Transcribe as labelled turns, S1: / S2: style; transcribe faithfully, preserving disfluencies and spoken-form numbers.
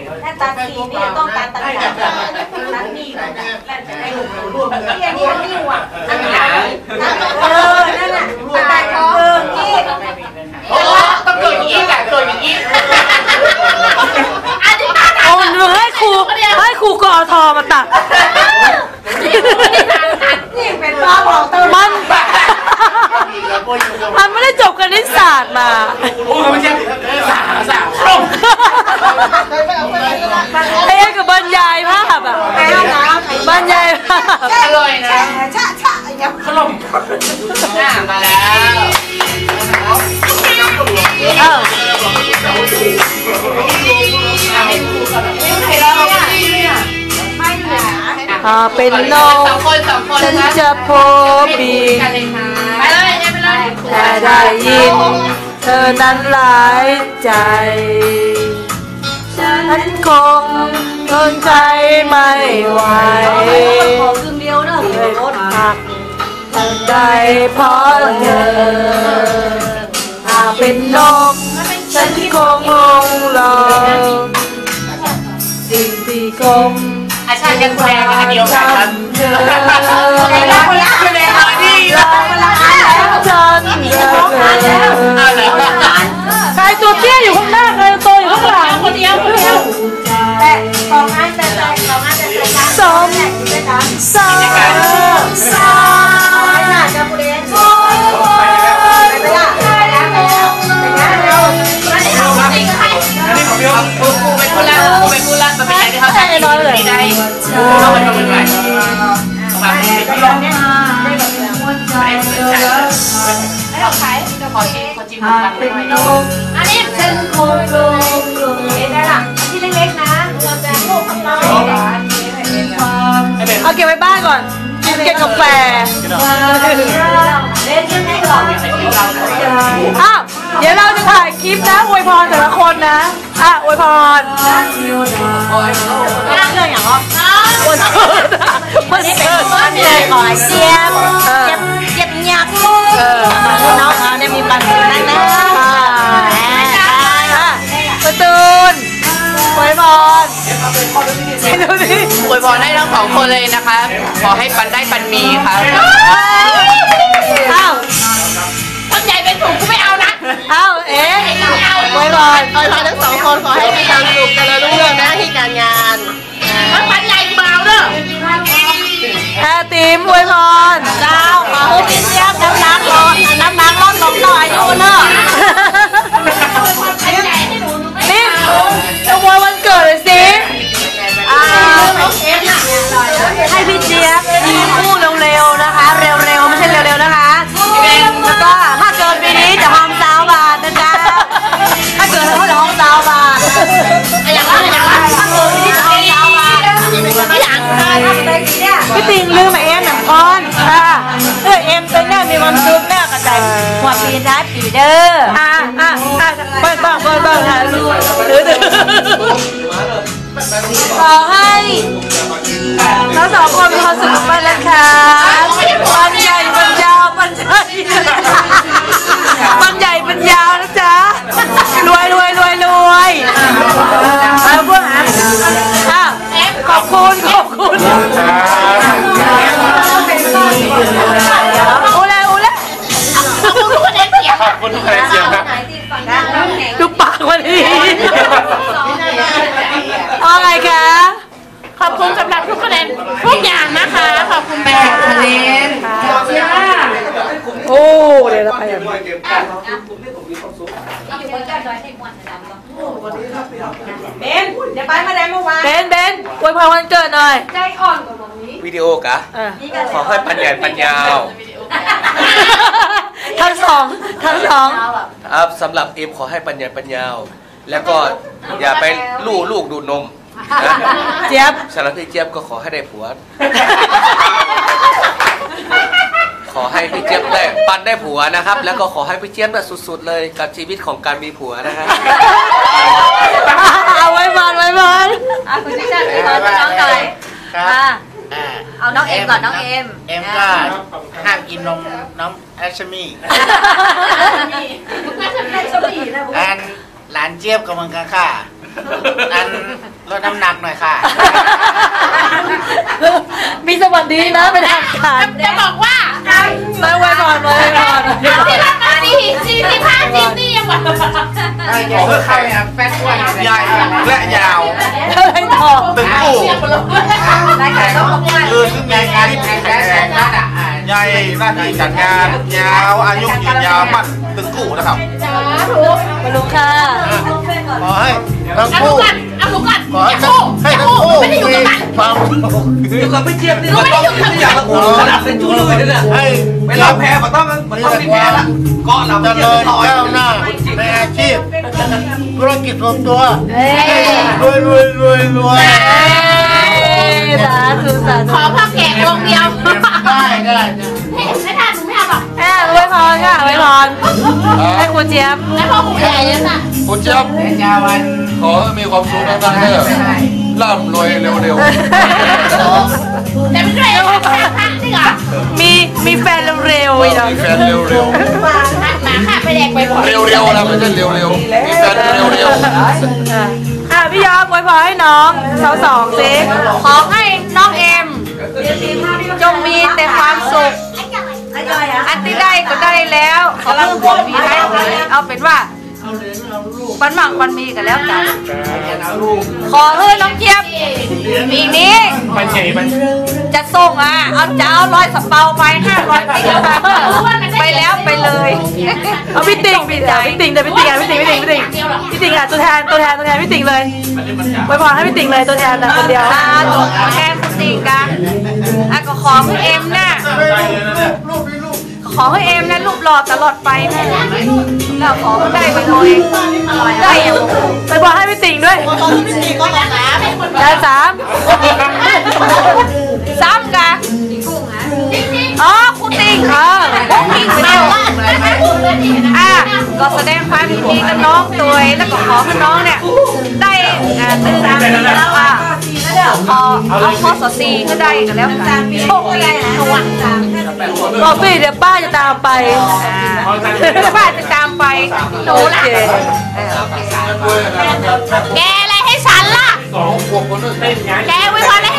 S1: ถ้าตัดสีนี่ต้องการตัดแบบตัดนี่แล้วจะได้รวมรวมที่อันนี้อันนี้ว่ะอันไหนเออนั่นน่ะตัดเออที่
S2: โอ้ต้องเกิดอย่างนี้แหละเกิดอย่างนี้
S3: โอ้หนูให้ครูให้ครูกอทอมาตัด
S1: นี่เป็นรอบของตัว
S3: มันมันไม่ได้จบคณิตศาสตร์มา
S2: โอ้ไม่ใช่สาสาครบ
S3: ไอ้ยักกับบรรยายภาพอ่ะบรรยายภาพ
S2: อร่อยนะ
S1: ชะชะอย่าง
S2: ขนมมาแล้ว
S3: เออถ้าเป็นนกฉันจะพบบินแต่ได้ยินเธอนั้นหลายใจฉันคงทนใจไม่ไหวเลยพักทันใดเพราะเธอถ้าเป็นนกฉันคงลงลอยสิ่งที่คง
S2: อาชาติยังแพงอันเดียวกันครับ
S1: คนละคนละคนละ
S2: ดี
S1: คนละอันแล้ว
S3: ฉันใครตัวเตี้ยอยู่ข้างหน้าใครตัวอยู่ข้างหลัง
S1: คนเดียวคนเดียวแต่สองอันแต่ใจสองอันแต่ใจกัน
S3: สอง
S1: สามสามไม่น่าจะพูดเองไม่ได้
S2: อันนี้ของพี่ครับครูเป็นคนละครูเป็นคนละมันเป็นอะไรที่เขาใช้ได้ไม่ได้เขาเป็นคนใหม่มาเป็นคนละเนี่ยได้แบบไม่ได้เหมือนกันให้เราขายจะขอชิมขอชิมกันเลย
S1: อันนี้เป็นโคโลเห็นได้หรอที่เล็กๆนะเราจะโค้งเรา
S3: เอาเก็บไว้บ้านก่อนเก็บกาแฟ
S1: เล่นยังไงก่อน
S3: อ้าวเดี๋ยวเราจะถ่ายคลิปนะอวยพรแต่ละคนนะอ่ะอวยพร
S1: เรื่องอย่างอ๋อ
S3: วันเกิดวันเกิด
S1: วันเกิดขอเจี๊ยบเจี๊ยบเจี๊ยบหยักเออน้องเขาเนี่ยมีปัญหานั่นนะ
S3: ประตูนอวยพร
S2: ดูดิอวยพรให้ทั้งสองคนเลยนะคะขอให้ปันได้ปันมีค่ะ
S3: อ้าว
S2: ต้นใหญ่เป็นถุงกูไม่เอานะ
S3: อ้าวเอ๊ะอวยพร
S1: อวยพรทั้งสองคนขอให้มีความสุขกันแล้วรุ่งเรืองนะที่การงาน
S2: ทั้งปันใหญ่เบาเด้อ
S3: แพรติ๋มอวยพร
S1: เจ้าขอให้พี่เจี๊ยบน้ำหนักลดน้ำหนักลดลงหน่อยดูเนอะ
S3: นี่จะอวยวันเกิดเลยสิให้พี่เจี๊ยบมีคู่เร็วๆนะคะเร็วๆไม่ใช่เร็วๆนะคะแล้วก็ถ้าเกิดปีนี้จะห้องสาวบาทนะจ๊ะถ้าเกิดเขาจะห้องสาวบาท
S1: อย่างไรอย่างไรถ้าเกิดปีนี้จะห้องสาวบาทไม่อยาก
S3: พี่ติงลืมเอ็มหนังก้อนค่ะเออเอ็มตัวนี้มีความสุขแน่กระจาย
S1: หัวปีท้ายปีเด้อ
S3: อ่ะอ่ะอ่ะเปิดบ้างเปิดบ้างค่ะถือถือขอให้ทั้งสองคนมีความสุขมากนะคะปันใหญ่ปันยาวปันใหญ่ปันใหญ่ปันยาวนะจ๊ะรวยรวยรวยรวยเอาพวกอ่ะอ่ะขอบคุณขอบคุณโอ้เลยโอ้เลย
S2: ขอบคุณทุกคนเสียงขอบคุณทุกคนเสียงนะ
S3: ดูปากวันนี้เอาไงคะ
S2: ขอบคุณสำหรับทุกคะแนนทุกอย่างนะคะขอบคุณแม่คะแนน
S3: โอ้เดี๋ยวเราไปกัน
S1: เบนเดี๋ยวไปมาได้เมื่อวาน
S3: เบนเบนอวยพรวันเกิดหน่อย
S1: ใจอ่อนกว่าตรงนี้
S4: วิดีโอกะขอให้ปัญญาปัญญาว
S3: ทั้งสองทั้งสอง
S4: ครับสำหรับเอ็มขอให้ปัญญาปัญญาวแล้วก็อย่าไปลู่ลูกดูดนม
S3: เจี๊ยบ
S4: สำหรับพี่เจี๊ยบก็ขอให้ได้ผัวขอให้พี่เจี๊ยบได้ปันได้ผัวนะครับแล้วก็ขอให้พี่เจี๊ยบแบบสุดๆเลยกับชีวิตของการมีผัวนะครับ
S3: เอาไว้บอลไว้บอล
S1: อ่ะคุณชิชาพี่บอลน้องหน่อยเอาน้องเอ็มก่อนน้องเอ็ม
S5: เอ็มก็ห้ามกินนมน้องแอชมี่อันหลานเจี๊ยบกับมังกรค่ะอันลดน้ำหนักหน่อยค่ะ
S3: มีสวัสดีนะเป็นทางการ
S1: จะบอกว่า
S3: มาไว้ก่อนไว้ก่อน
S1: ที่รักมาสี่สี่สิบห้าสิบนี่ยังหวาน
S5: ขอเพื่อใครอ่ะแฟนอ้วนใหญ่และยาว
S3: อะไรต่อ
S5: ตึงกู
S1: รายการต้องมา
S5: คือซึ่งมีงานที่แข็งแรงใหญ่หน้าที่จัดงานยาวอายุยืนยาวมั่นตึงกูนะครับ
S3: มาดูค่ะ
S5: ขอให้ทั้ง
S1: เอา
S5: คู่
S1: ลูกกันเอาลูกกัน
S5: ขอให้
S1: อย่า
S5: ทั้ง
S1: คู่
S5: ให้
S1: อย่า
S5: ทั้ง
S1: คู่
S5: คู่
S1: ไม่ได้อยู่
S5: มี
S1: กับมัน
S5: ความ
S4: อยู่กับพี่เจี๊ยบนี่มันต้องไม่อยากละอูขนาดเป็นจู้เลยเนี่ย
S5: ให้
S4: เวลาแพ้มันต้องมันต้องมีแพ้ละเกาะเรา
S5: เจ
S4: เจี๊ย
S5: ริ
S4: บ
S5: ญ
S4: ลอย
S5: ก้าวหน้าในอาชีพธุรกิจส่วนตัว
S3: เอ้ย
S5: รวยรวยรวยรวย
S3: สาธุสา
S1: ข
S3: ธุ
S1: อพ่อแก่วงเดียว
S5: ได้ได้
S1: ไม่ทานหนูไม่เอาหรอก
S3: อ่ะไว้พรค่ะไว้พรให้ครูเจี๊ยบ
S1: แล้วพ่อผู้ใหญ่เนี่ยน่ะ
S6: คุณเจี๊ยบขอให้มีความสุขมากๆเด้อร่ำรวยเร็ว
S1: แต่ไม่ได้เอาพระพระนี่เหรอ
S3: มีมีแฟนเร็วๆอีก
S6: ๆ
S3: แล้ว
S6: มีแฟนเร็ว
S1: มาค่ะไปแดกไปบ่อย
S6: ๆ เร็วๆนะไม่ใช่เร็วๆ มีแฟนเร็ว
S3: อ่ะพี่ยอมไว้พรให้น้องสาวสองสิขอให้น้องเอ็มจงมีแต่ความสุขอันที่ได้ก็ได้แล้วขอเพิ่มความมีให้เอาเป็นว่าวันหมังวันมีกันแล้วกันขอให้น้องเจี๊ยบปีนี้
S5: มันเฉยมัน
S3: จะส่งอ่ะเอาจะเอาร้อยสเปาไปห้าร้อยติ๊กไปไปแล้วไปเลยเอาพี่ติ่งพี่ติ่งพี่ติ่งเดี๋ยวพี่ติ่งอ่ะพี่ติ่งพี่ติ่งพี่ติ่งพี่ติ่งอ่ะตัวแทนตัวแทนตัวแทนพี่ติ่งเลยไว้พรให้พี่ติ่งเลยตัวแทนนะคนเดียวอ่าตัวแทนพี่ติ่งกันอ่ะก็ขอให้เอ็มน่ะขอให้เอ็มนะรูปหล่อตลอดไปแม่แล้วขอให้ได้ไปเลยได้อยู่ไปบอกให้พี่ติ่งด้วยได้สามสามกันอ๋อคุณติ่งเออคุณติ่งไปเดียวอ่ะก็แสดงความยินดีกับน้องตัวเองแล้วก็ขอให้น้องเนี่ยได้อ่าตื่นตาดีแล้วอ่ะขอเอาข้อสอสีก็ได้กันแล้วกันโชคดีสวัสดีบอกสิเดี๋ยวป้าจะตามไปป้าจะตามไปหนูล่ะแกอะไรให้ฉันล่ะ
S6: ๆสองขวบคนนึง
S1: แกไว้พอได้